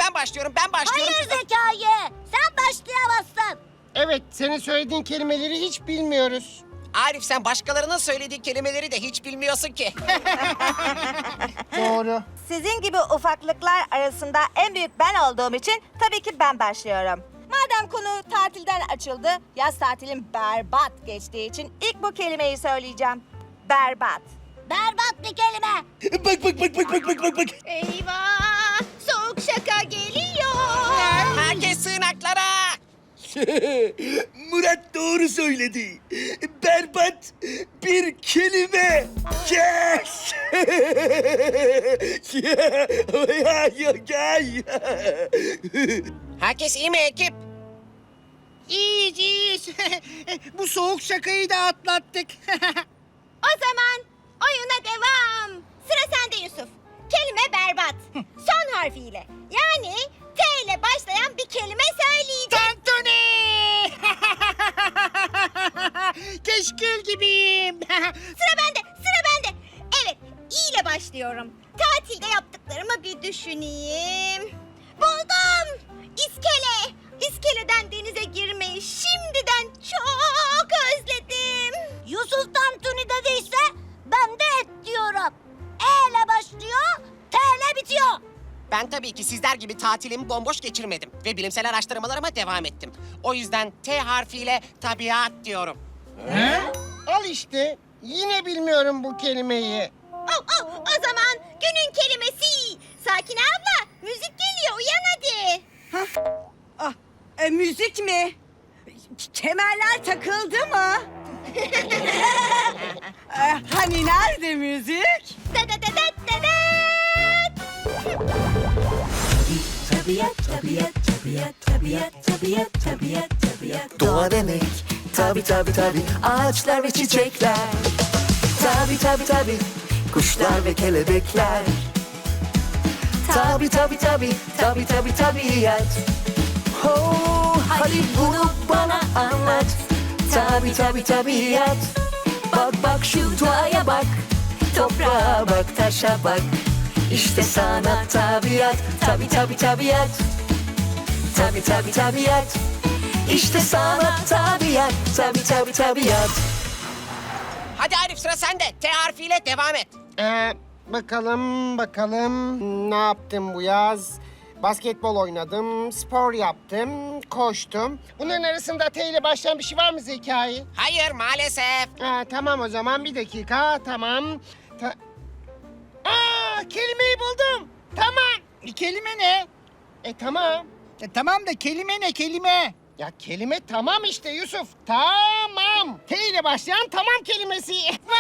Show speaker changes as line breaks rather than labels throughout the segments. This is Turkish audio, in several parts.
ben başlıyorum.
Hayır Zekai, sen başlayamazsın.
Evet, senin söylediğin kelimeleri hiç bilmiyoruz.
Arif, sen başkalarının söylediği kelimeleri de hiç bilmiyorsun ki.
Doğru.
Sizin gibi ufaklıklar arasında en büyük ben olduğum için tabii ki ben başlıyorum. Madem konu tatilden açıldı, yaz tatilim berbat geçtiği için ilk bu kelimeyi söyleyeceğim. Berbat.
Berbat bir kelime.
Bak.
Eyvah! Soğuk şaka geliyor.
Herkes sığınaklara.
Murat doğru söyledi. Berbat bir kelime. Yes!
Herkes iyi mi ekip?
İyiyiz. Bu soğuk şakayı da atlattık.
O zaman oyuna devam. Sıra sende Yusuf. Kelime berbat. Son harfiyle. Yani T ile başlayan bir kelime söyleyeceğim.
Tantuni! Keşkül gibiyim.
Sıra bende. Evet, İ ile başlıyorum. Tatilde yaptıklarımı bir düşüneyim. Buldum. İskele. İskeleden denize girmeyi şimdiden çok özledim.
Yusuf Tantuni dediyse ben de et diyorum. E ile başlıyor, T ile bitiyor.
Ben tabii ki sizler gibi tatilimi bomboş geçirmedim ve bilimsel araştırmalarıma devam ettim. O yüzden T harfiyle tabiat diyorum.
Al işte, yine bilmiyorum bu kelimeyi.
O zaman günün kelimesi. Sakine abla, müzik geliyor. Uyan hadi.
Müzik mi? Kemerler takıldı mı? Hani nerede müzik?
Doğa demek tabi ağaçlar ve çiçekler. Tabi kuşlar ve kelebekler. Tabi tabiat. Oh, hadi bunu bana anlat. Tabi tabiat. Bak şu doğaya bak. Toprağa bak, taşa bak. İşte sana tabiat. Tabi tabiat. Tabiat. İşte sana tabiat. Tabiat.
Hadi Arif, sıra sende. T harfiyle devam et.
Bakalım. Ne yaptım bu yaz? Basketbol oynadım, spor yaptım, koştum. Bunların arasında T ile başlayan bir şey var mı Zekai?
Hayır, maalesef.
Tamam o zaman, bir dakika, tamam. Kelimeyi buldum. Tamam.
Kelime ne?
Tamam.
Tamam da kelime ne kelime?
Ya kelime tamam işte Yusuf. Tamam. T ile başlayan tamam kelimesi.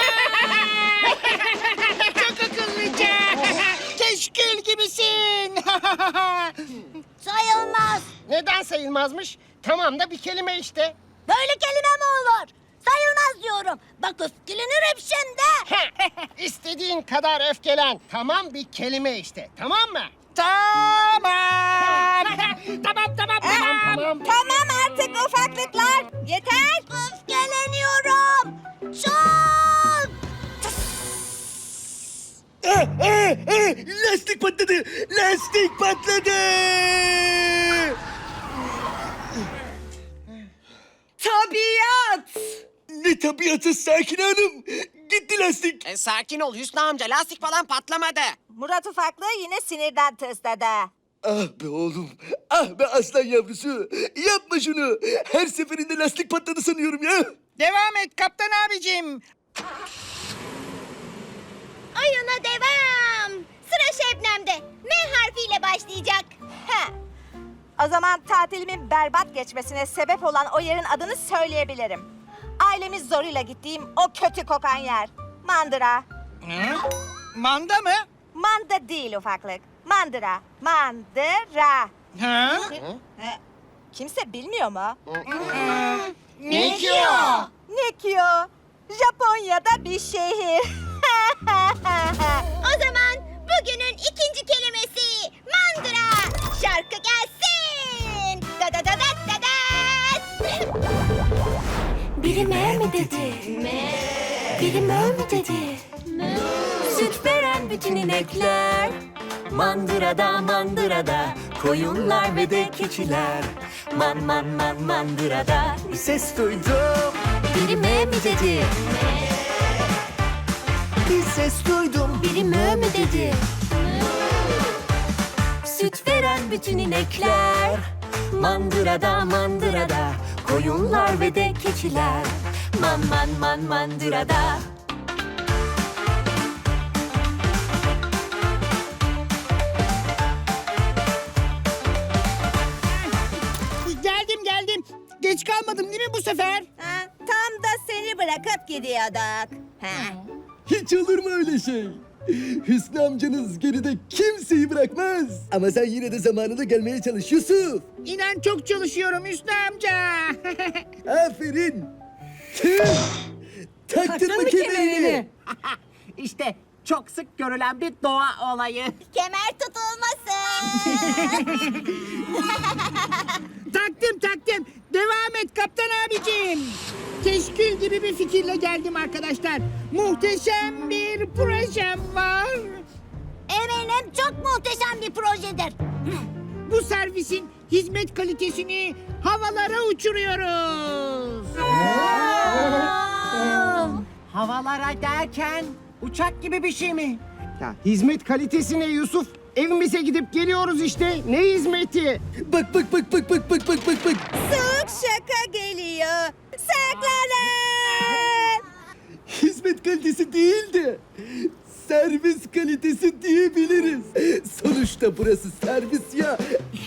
Çok akıllıca. Keşkül gibisin.
Sayılmaz.
Neden sayılmazmış? Tamam da bir kelime işte.
Böyle kelime mi olur? Sayılmaz diyorum. Bak öfkelenirim şimdi.
İstediğin kadar öfkelen. Tamam bir kelime işte. Tamam mı?
Tamam. Tamam.
Tamam artık ufaklıklar. Yeter.
Öfkeleniyorum. Çok.
Lastik patladı.
Tabiat.
Ne tabiatı Sakine Hanım. Gitti lastik.
Sakin ol Hüsnü amca, lastik falan patlamadı.
Murat ufaklığı yine sinirden tısladı.
Ah be oğlum. Ah be aslan yavrusu. Yapma şunu. Her seferinde lastik patladı sanıyorum ya.
Devam et kaptan abicim.
Oyuna devam. Sıra Şebnem'de. M harfiyle başlayacak.
O zaman tatilimin berbat geçmesine sebep olan o yerin adını söyleyebilirim. Ailemiz zoruyla gittiğim o kötü kokan yer. Mandıra.
Manda mı?
Manda değil ufaklık. Mandıra. Mandıra.
Ha?
Kimse bilmiyor mu?
Ne ki o?
Nikyo. Japonya'da bir şehir.
O zaman bugünün ikinci kelimesi mandıra. Şarkı gelsin. Da da da da da da.
Biri mi dedi? Biri mi dedi? Süt veren bütün inekler. Mandırada koyunlar ve de keçiler. Man man man mandırada bir ses duydum. Biri mö mü dedi? Bir ses duydum. Biri mö mü dedi? Süt veren bütün inekler. Mandırada mandırada koyunlar ve de keçiler. Man man man mandırada.
Geldim. Geç kalmadım değil mi bu sefer?
Ha, tam da seni bırakıp gidiyorduk. Ha.
Hiç olur mu öyle şey? Hüsnü amcanız geride kimseyi bırakmaz. Ama sen yine de zamanında gelmeye çalış Yusuf.
İnan çok çalışıyorum Hüsnü amca.
Aferin. Tüh! Taktın mı kemerini?
İşte çok sık görülen bir doğa olayı.
Kemer tutulmasın.
Taktım. Devam et kaptan abicim. Keşkül gibi bir fikirle geldim arkadaşlar. Muhteşem bir projem var.
Eminim çok muhteşem bir projedir.
Bu servisin hizmet kalitesini havalara uçuruyoruz.
Havalara derken uçak gibi bir şey mi?
Ya hizmet kalitesi ne Yusuf? Evimize gidip geliyoruz işte. Ne hizmeti?
Bak.
Soğuk şaka geliyor. Saklanın.
Hizmet kalitesi değil de servis kalitesi diyebiliriz. Sonuçta burası servis ya.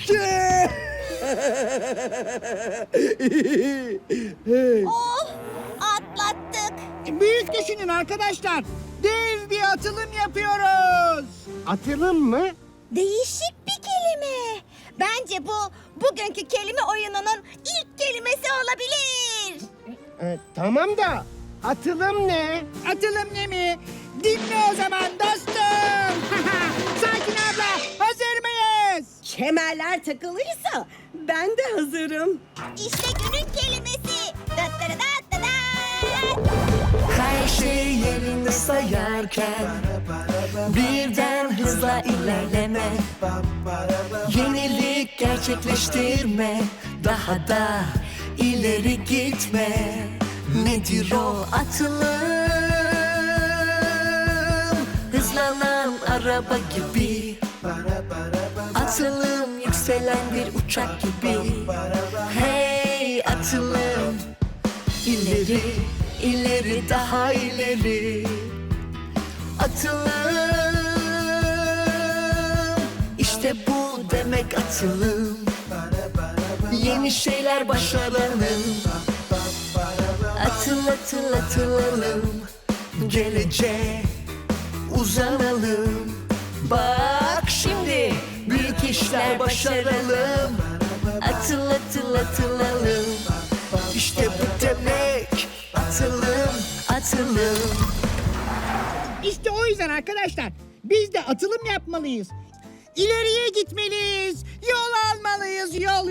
Oh, atlattık.
Büyük düşünün arkadaşlar. Dev bir atılım yapıyoruz.
Atılım mı?
Değişik bir kelime. Bence bu bugünkü kelime oyununun ilk kelimesi olabilir.
Tamam da atılım ne?
Atılım ne mi? Dinle o zaman dostum. Sakin abla, hazır mıyız?
Kemerler takılıysa ben de hazırım.
İşte günün kelimesi. Dıttırıdattıdat.
Her şey yerinde sayarken birden hızla ilerleme. Yenilik gerçekleştirme, daha da ileri gitme. Nedir o atılım? Hızlanan araba gibi, atılım yükselen bir uçak gibi. Hey atılım, ileri, ileri daha ileri. Atılım, işte bu demek atılım. Yeni şeyler başaralım. Atılalım, geleceğe uzanalım. Bak şimdi büyük işler başaralım. Atılalım, işte bu demek atılım.
İşte o yüzden arkadaşlar biz de atılım yapmalıyız. İleriye gitmeliyiz. Yol almalıyız. Yol.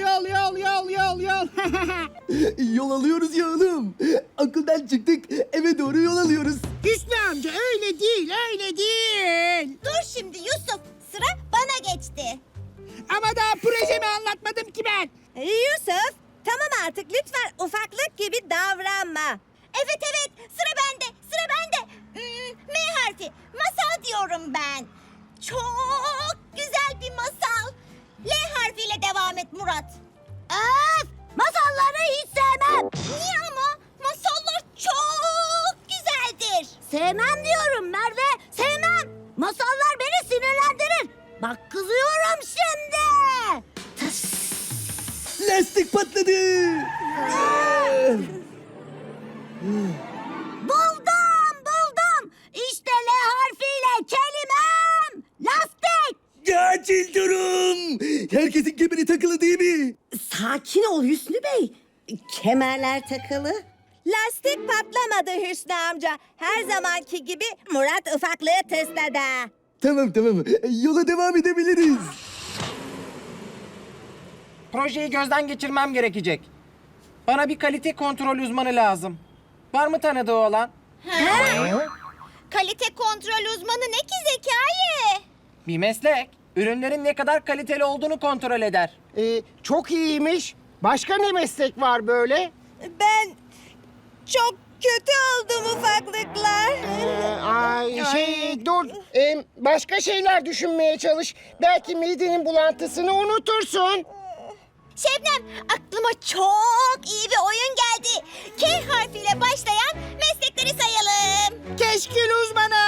Yol alıyoruz ya oğlum. Okuldan çıktık eve doğru yol alıyoruz.
Hüsnü amca öyle değil.
Dur şimdi Yusuf. Sıra bana geçti.
Ama daha projemi anlatmadım ki ben.
Yusuf, tamam artık lütfen ufaklık gibi davranma.
Evet sıra bende. M harfi. Masal diyorum ben. Çok güzel bir masal. L harfiyle devam et Murat.
Öf! Masalları hiç sevmem.
Niye ama? Masallar çok güzeldir.
Sevmem diyorum Merve. Sevmem. Masallar beni sinirlendirir. Bak kızıyorum şimdi.
Lastik patladı.
Buldum. İşte L harfiyle kelimem. Lastik.
Acil durum. Herkesin kemeri takılı değil mi?
Sakin ol Hüsnü Bey. Kemerler takılı. Lastik patlamadı Hüsnü amca. Her zamanki gibi Murat ufaklığı tısladı.
Tamam. Yola devam edebiliriz.
Projeyi gözden geçirmem gerekecek. Bana bir kalite kontrol uzmanı lazım. Var mı tanıdığı olan?
Kalite kontrol uzmanı ne ki Zekai?
Bir meslek. Ürünlerin ne kadar kaliteli olduğunu kontrol eder.
Çok iyiymiş. Başka ne meslek var böyle?
Ben çok kötü oldum ufaklıklar.
Dur. Başka şeyler düşünmeye çalış. Belki midenin bulantısını unutursun.
Şebnem, aklıma çok iyi bir oyun geldi. K harfiyle başlayan meslekleri sayalım.
Keşkül uzmanı.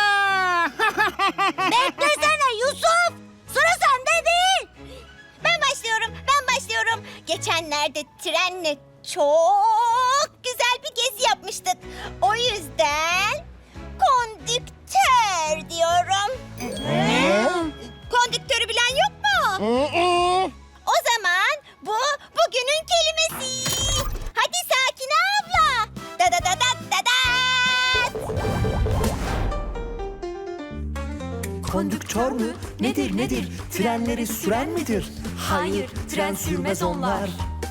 Beklesene Yusuf. Sıra sende değil.
Ben başlıyorum. Geçenlerde trenle çok güzel bir gezi yapmıştık. O yüzden kondüktör diyorum. Kondüktörü bilen yok mu? O zaman bu bugünün kelimesi. Hadi Sakine abla. Da da da da da da.
Kondüktör mü? Nedir? Trenleri süren midir? Hayır, tren sürmez onlar.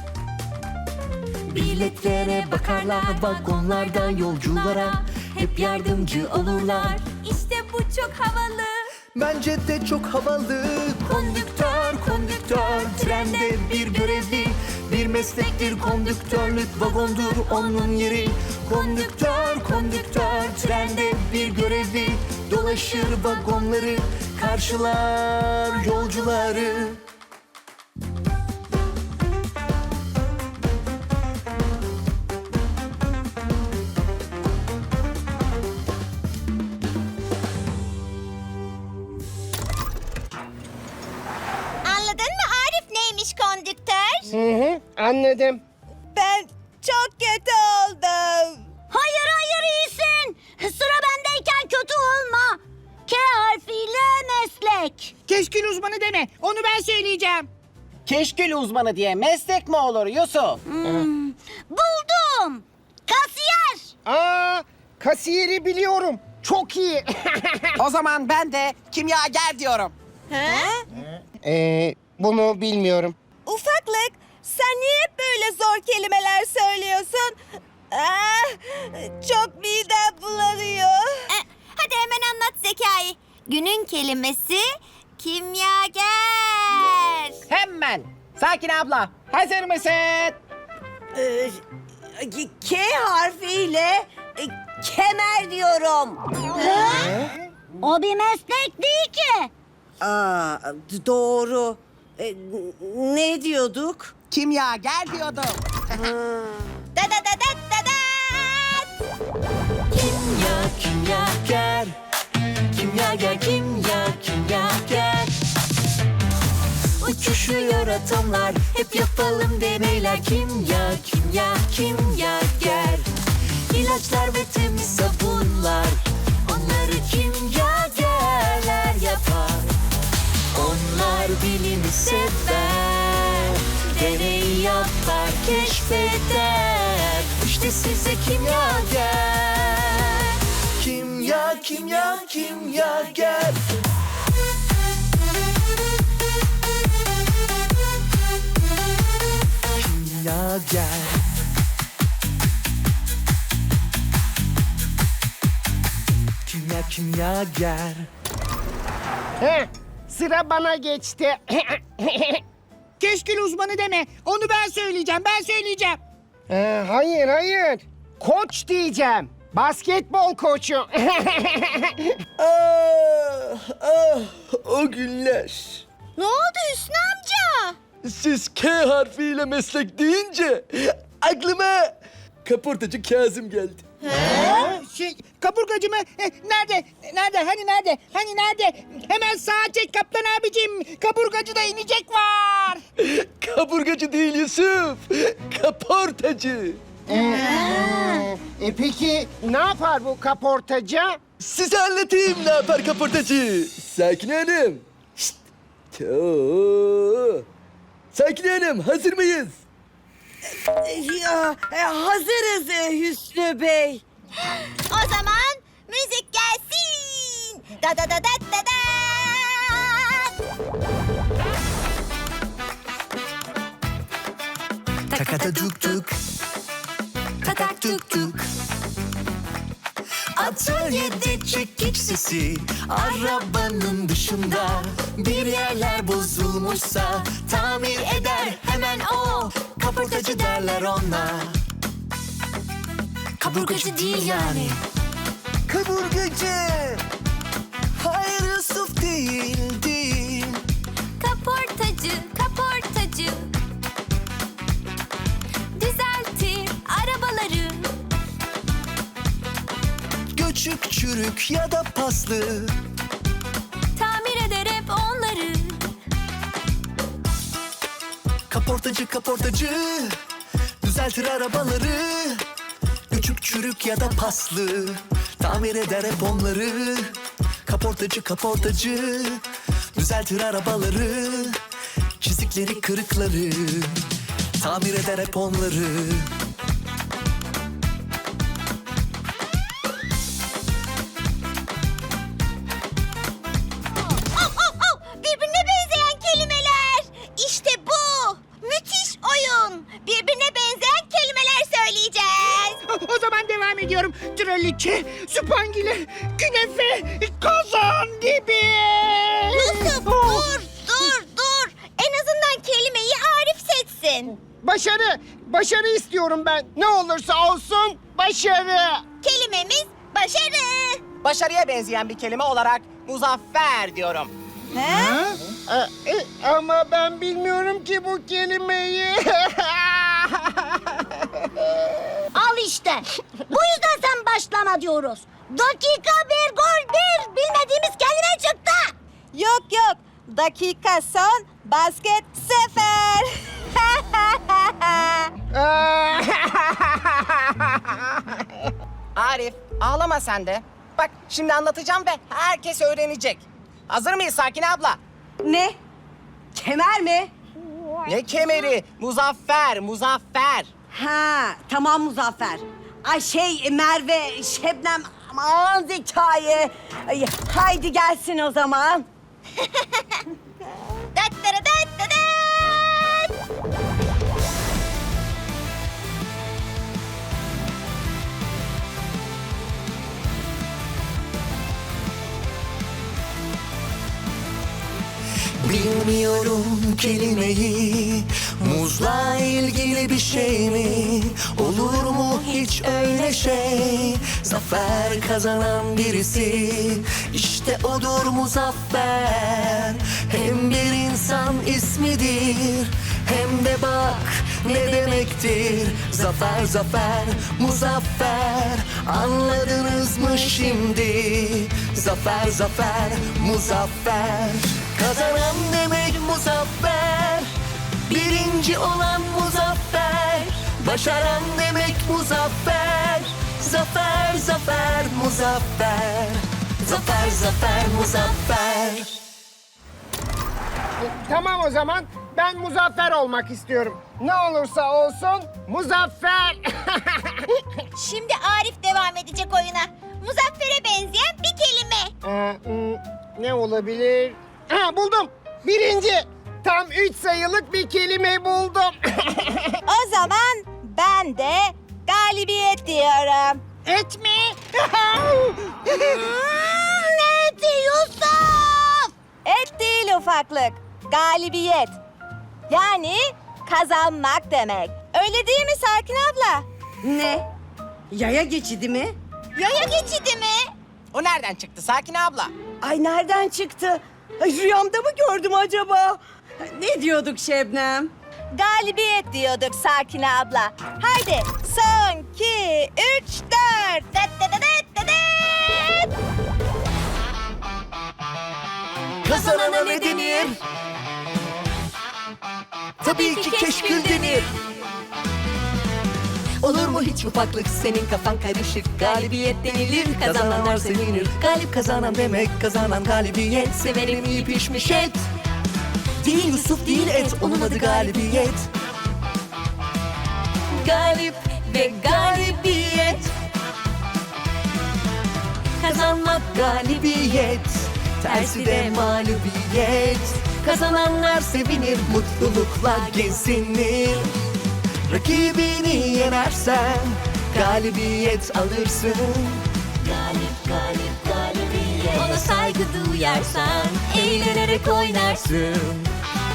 Biletlere bakarlar, vagonlardan yolculara hep yardımcı olurlar. İşte bu çok havalı.
Bence de çok havalı.
Kondüktör, trende bir görevli. Bir meslektir kondüktörlük, vagondur onun yeri. Kondüktör, trende bir görevli. Dolaşır vagonları, karşılar yolcuları.
Anladın mı Arif neymiş kondüktör?
Anladım.
Ben çok kötü oldum.
Hayır iyisin. Sıra bendeyken kötü olma. K harfiyle meslek.
Keşkül uzmanı deme. Onu ben söyleyeceğim.
Keşkül uzmanı diye meslek mi olur Yusuf?
Buldum. Kasiyer.
Kasiyeri biliyorum. Çok iyi.
O zaman ben de kimyager diyorum.
Bunu bilmiyorum.
Ufaklık, sen niye hep böyle zor kelimeler söylüyorsun? Çok midem bulanıyor.
Hadi hemen anlat Zekai. Günün kelimesi kimyager.
Hemen. Sakine abla, hazır mısın?
K harfiyle kemer diyorum.
O bir meslek değil ki.
Doğru. Ne diyorduk?
Kimyager diyordum.
Da da da da da da.
Kimyager. Uçuşuyor atomlar, hep yapalım deneyler. Kimyager. İlaçlar ve temiz sabunlar, onları kimyagerler yapar. Onlar bilimi sever, deney yapar, keşfeder. İşte size kimyager. Kimyager. Kimyager.
Sıra bana geçti.
Keşkül uzmanı deme. Onu ben söyleyeceğim.
Hayır. Koç diyeceğim. Basketbol koçu.
O günler.
Ne oldu Hüsnü amca?
Siz K harfiyle meslek deyince aklıma kaportacı Kazım geldi.
Kaburgacı mı? Nerede? Hani nerede? Hemen sağa çek kaptan abicim. Kaburgacı da inecek var.
Kaburgacı değil Yusuf, kaportacı.
Peki ne yapar bu kaportacı?
Size anlatayım ne yapar kaportacı. Sakine Hanım. Şşt. Sakine Hanım, hazır mıyız?
Hazırız Hüsnü Bey.
O zaman müzik gelsin. Da da da da da da.
Takata tuk tuk. Tatak tuk tuk. Atölyede çekiç sesi, arabanın dışında. Bir yerler bozulmuşsa tamir eder hemen o. Kaportacı derler ona. Kaburgacı değil yani.
Kaburgacı. Hayır Yusuf değil, değil.
Kaportacı, kaportacı. Düzeltir arabaları.
Göçük, çürük ya da paslı.
Tamir eder hep onları.
Kaportacı, kaportacı. Düzeltir arabaları. Göçük, çürük ya da paslı. Tamir eder hep onları. Kaportacı, kaportacı. Düzeltir arabaları. Çizikleri, kırıkları. Tamir eder hep onları.
Birbirine benzeyen kelimeler. İşte bu. Müthiş oyun. Birbirine benzeyen kelimeler söyleyeceğiz.
O zaman devam ediyorum. Traliçe, supangile, künefe, kazan gibi.
Yusuf dur. En azından kelimeyi Arif seçsin.
Başarı istiyorum ben. Ne olursa olsun başarı.
Kelimemiz başarı.
Başarıya benzeyen bir kelime olarak muzaffer diyorum.
Ama ben bilmiyorum ki bu kelimeyi.
Al işte. Bu yüzden sen başlama diyoruz. Dakika bir, gol bir. Bilmediğimiz kelime çıktı.
Yok. Dakika son, basket sefer.
Arif, ağlama sen de. Bak şimdi anlatacağım ve herkes öğrenecek. Hazır mıyız Sakine abla?
Ne? Kemer mi?
Ne kemeri? Muzaffer.
Ha, tamam Muzaffer. Ay Merve, Şebnem, aman Zekai. Ay, haydi gelsin o zaman.
Dat.
Bilmiyorum kelimeyi. Muzla ilgili bir şey mi? Olur mu hiç öyle şey? Zafer kazanan birisi, İşte odur muzaffer. Hem bir insan ismidir, hem de bak ne demektir. Zafer, muzaffer. Anladınız mı şimdi? Zafer, muzaffer. Kazanan demek muzaffer. Birinci olan muzaffer. Başaran demek muzaffer. Zafer, muzaffer. Zafer, muzaffer.
Tamam o zaman ben muzaffer olmak istiyorum. Ne olursa olsun muzaffer.
Şimdi Arif devam edecek oyuna. Muzaffer'e benzeyen bir kelime.
Ne olabilir? Ha, buldum. Birinci. Tam 3 sayılık bir kelime buldum.
O zaman ben de galibiyet diyorum.
Et mi?
Ne eti Yusuf?
Et değil ufaklık, galibiyet. Yani kazanmak demek. Öyle değil mi Sakin abla?
Ne? Yaya geçidi mi?
Yaya geçidi mi?
O nereden çıktı Sakine abla?
Ay nereden çıktı? Ay, rüyamda mı gördüm acaba? Ne diyorduk Şebnem?
Galibiyet diyorduk Sakin abla. Haydi son 2, 3, 4.
Kazanana ne denir? Tabii ki keşkül denir. Olur mu hiç ufaklık, senin kafan karışık. Galibiyet denilir, kazananlar sevinir. Galip kazanan demek, kazanan galibiyet. Severim iyi pişmiş et. Değil Yusuf değil et, onun adı galibiyet. Galip ve galibiyet. Kazanmak galibiyet, tersi de mağlubiyet. Kazananlar sevinir, mutlulukla gezinir. Rakibini yenersen galibiyet alırsın.
galibiyet. Ona saygı duyarsan eğlenerek oynarsın.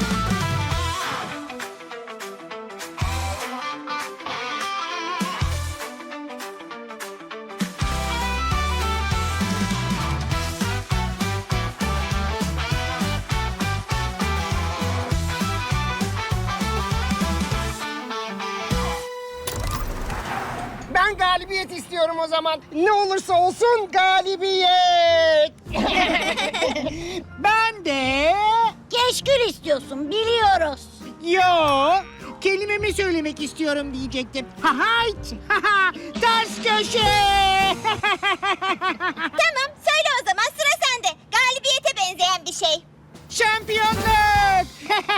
Ben galibiyet istiyorum o zaman. Ne olursa olsun galibiyet.
Ben de...
Keşkül istiyorsun biliyoruz.
Yo, kelimemi söylemek istiyorum diyecektim. Ha hayt, ha ha, ters köşe.
Tamam söyle o zaman sıra sende. Galibiyete benzeyen bir şey.
Şampiyonluk.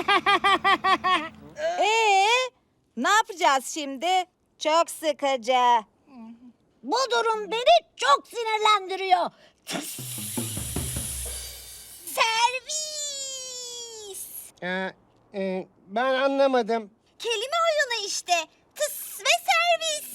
Ne yapacağız şimdi? Çok sıkıcı.
Bu durum beni çok sinirlendiriyor.
Servis.
Ben anlamadım.
Kelime oyunu işte. Tıs ve servis.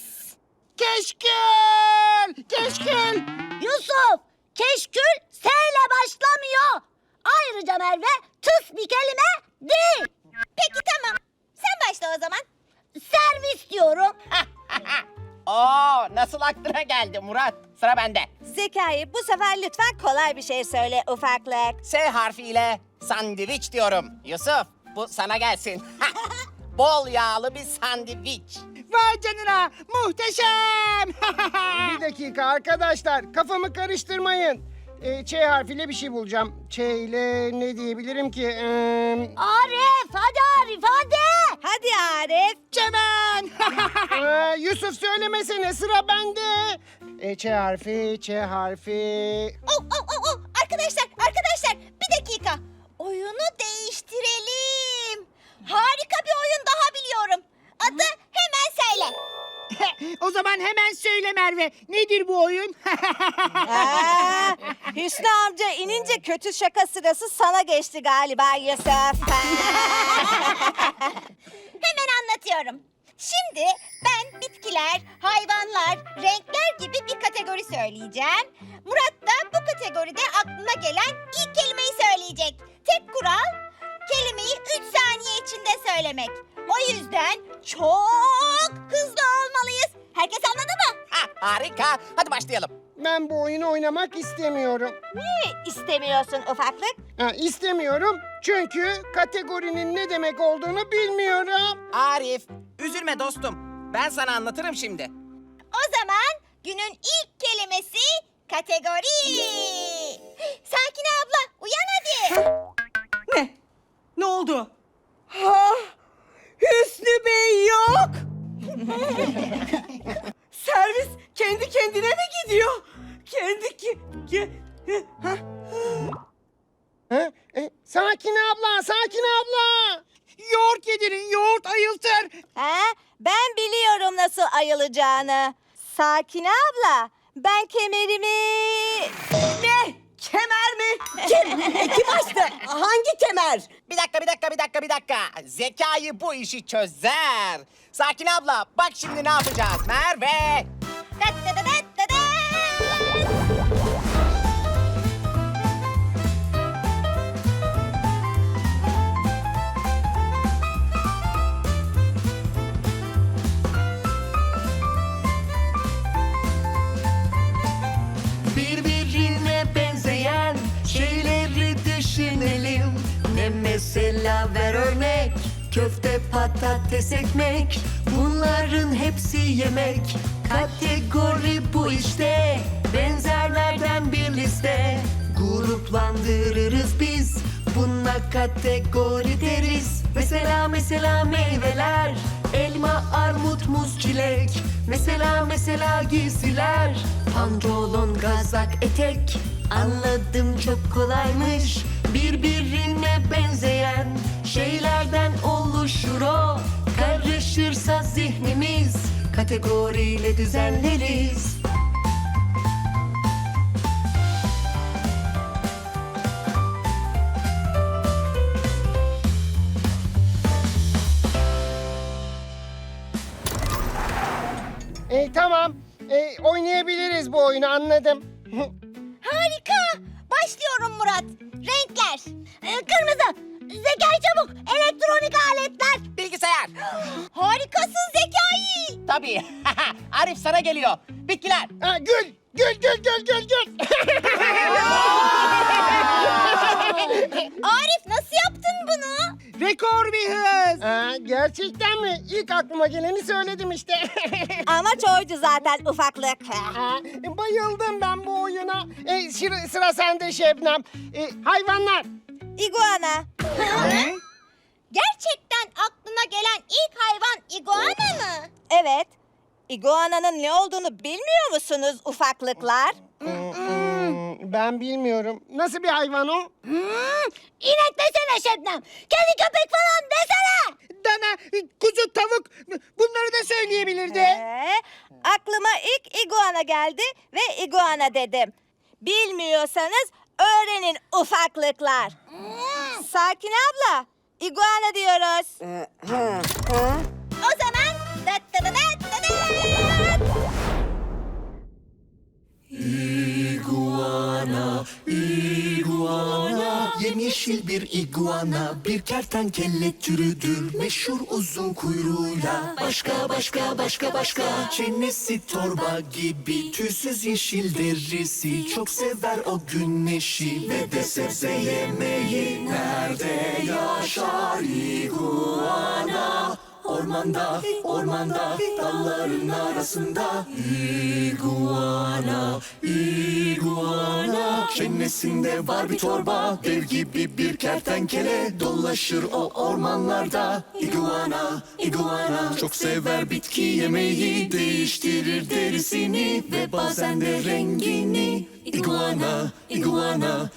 Keşkül, keşkül.
Yusuf, keşkül S ile başlamıyor. Ayrıca Merve tıs bir kelime değil.
Peki tamam. Sen başla o zaman.
Servis diyorum.
Oo, nasıl aklına geldi Murat? Sıra bende.
Zekai, bu sefer lütfen kolay bir şey söyle ufaklık.
S harfiyle sandviç diyorum. Yusuf, bu sana gelsin. Bol yağlı bir sandviç.
Vay canına, muhteşem.
Bir dakika arkadaşlar, kafamı karıştırmayın. Ç harfiyle bir şey bulacağım. Ç ile ne diyebilirim ki?
Arif, hadi Arif hadi.
Hadi Arif.
Çemen.
Yusuf söylemesene, sıra bende. Ç harfi, Ç harfi.
Arkadaşlar bir dakika. Oyunu değiştirelim. Harika bir oyun daha biliyorum. Adı hemen söyle.
O zaman hemen söyle Merve. Nedir bu oyun?
Hüsnü amca inince kötü şaka sırası sana geçti galiba Yusuf.
Hemen anlatıyorum. Şimdi ben bitkiler, hayvanlar, renkler gibi bir kategori söyleyeceğim. Murat da bu kategoride aklına gelen ilk kelimeyi söyleyecek. Tek kural kelimeyi 3 saniye içinde söylemek. O yüzden çok hızlı olmalıyız. Herkes anladı mı?
Harika. Hadi başlayalım.
Ben bu oyunu oynamak istemiyorum.
Niye istemiyorsun ufaklık?
İstemiyorum çünkü kategorinin ne demek olduğunu bilmiyorum.
Arif, üzülme dostum. Ben sana anlatırım şimdi.
O zaman günün ilk kelimesi kategori. Sakine abla uyan hadi.
Ne oldu? Ha, Hüsnü Bey yok. Servis kendi kendine mi gidiyor?
Sakin abla, Sakin abla.
Yoğurt yedirin, yoğurt ayıltır.
Ben biliyorum nasıl ayılacağını. Sakine abla, ben kemerimi...
Ne? Kemer mi? Kim açtı? Hangi kemer?
Bir dakika. Zekai bu işi çözer. Sakin abla, bak şimdi ne yapacağız? Merve.
Birbirine benzeyen şeyleri düşünelim. Ne mesela ver örnek. Köfte, patates, ekmek. Bunların hepsi yemek. Kategori bu işte. Benzerlerden bir liste. Gruplandırırız biz. Buna kategori deriz. Mesela meyveler. Elma, armut, muz, çilek. Mesela giysiler. Pantolon, kazak, etek. Anladım çok kolaymış. Birbirine benzeyen şeylerden oluşur o. Karışırsa zihnimiz kategoriyle düzenleriz.
Tamam. Oynayabiliriz bu oyunu, anladım.
Harika. Başlıyorum Murat. Renkler.
Kırmızı. Zekai çabuk. Elektronik aletler.
Bilgisayar.
Harikasın Zekai.
Tabii. Arif sana geliyor. Bitkiler.
Gül.
Arif nasıl yaptın bunu?
Rekor bir hız.
Gerçekten mi? İlk aklıma geleni söyledim işte.
Amaç oydu zaten ufaklık.
Bayıldım ben bu oyuna. Sıra sende Şebnem. Hayvanlar.
İguana.
Gerçekten aklına gelen ilk hayvan iguana mı?
Evet. İguana'nın ne olduğunu bilmiyor musunuz ufaklıklar?
Ben bilmiyorum. Nasıl bir hayvan o?
İnek desene Şebnem. Kedi köpek falan desene.
Dana, kuzu, tavuk bunları da söyleyebilirdi.
Aklıma ilk iguana geldi ve iguana dedim. Bilmiyorsanız öğrenin ufaklıklar. Sakin abla, iguana diyoruz.
O zaman dat dat dat dat dat.
İguana, iguana, yemyeşil bir iguana, bir kertenkele türüdür, meşhur uzun kuyruğuyla. Başka, çenesi torba gibi, tüysüz yeşil derisi, çok sever o güneşi ve de sebze yemeyi. Nerede yaşar iguana? Ormanda, dalların arasında. İguana, çenesinde var bir torba, dev gibi bir kertenkele, dolaşır o ormanlarda. İguana, çok sever bitki yemeyi, değiştirir derisini ve bazen de rengini.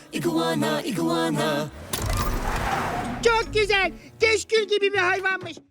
İguana.
Çok güzel. Keşkül gibi bir hayvanmış.